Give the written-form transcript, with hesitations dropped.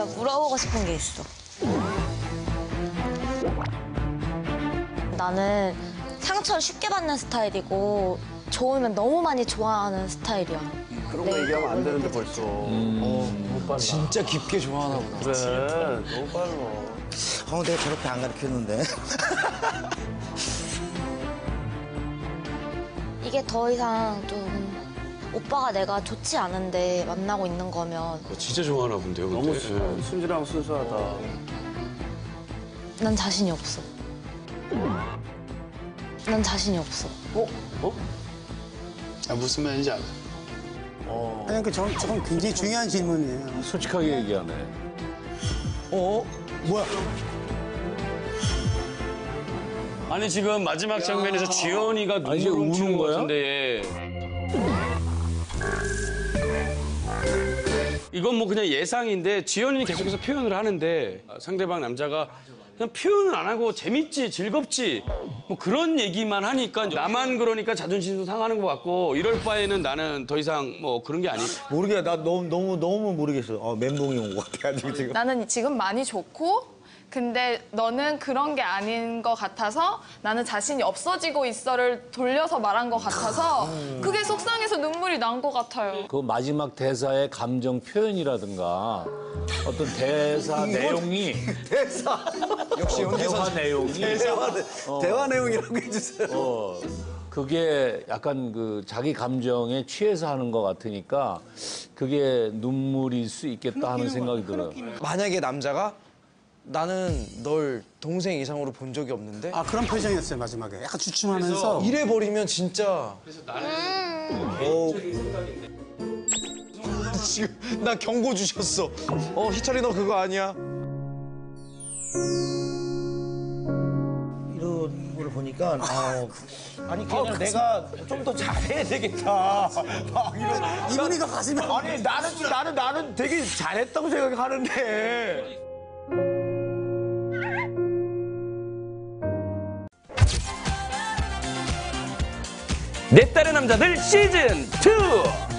내가 물어보고 싶은 게 있어. 나는 상처를 쉽게 받는 스타일이고 좋으면 너무 많이 좋아하는 스타일이야. 그런 거 얘기하면 안 되는데 벌써. 너무 빨라. 진짜 깊게 좋아하나 보다. 그래, 너무 빨라. 내가 저렇게 안 가르쳤는데. 이게 더 이상 좀 오빠가 내가 좋지 않은데 만나고 있는 거면 진짜 좋아하나 본데요, 근데. 너무 예. 순진하고 순수하다. 난 자신이 없어. 난 자신이 없어. 무슨 말인지 알아. 아니, 저건 굉장히 중요한 질문이에요. 솔직하게 얘기하네. 뭐야? 아니, 지금 마지막 장면에서 지연이가 이제 눈물 훔치는 우는 것 거야? 같은데. 이건 뭐 그냥 예상인데 지연이는 계속해서 표현을 하는데 상대방 남자가 그냥 표현을 안 하고 재밌지, 즐겁지 뭐 그런 얘기만 하니까 나만 그러니까 자존심도 상하는 것 같고 이럴 바에는 나는 더 이상 뭐 그런 게 아니. 모르겠어. 나 너무 모르겠어. 멘붕이 온 것 같아가지고 지금. 나는 지금 많이 좋고 근데 너는 그런 게 아닌 것 같아서 나는 자신이 없어지고 있어를 돌려서 말한 것 같아서 그게 속상해서 눈물이 난 것 같아요. 그 마지막 대사의 감정 표현이라든가 어떤 대사 내용이 대사. 역시 대화 내용이 대화 내용이라고 해주세요. 그게 약간 그 자기 감정에 취해서 하는 것 같으니까 그게 눈물일 수 있겠다 하는 생각이 들어요. 만약에 남자가 나는 널 동생 이상으로 본 적이 없는데 아, 그런 표정이었어요, 마지막에. 약간 주춤하면서. 이래버리면 진짜 지금 나 경고 주셨어. 희철이 너 그거 아니야. 이런 걸 보니까 아니 그냥 내가 좀 더 잘해야 되겠다. 막 이런. 이분이가 가시면. 아니 나는 되게 잘했다고 생각하는데. 내 딸의 남자들 시즌 2.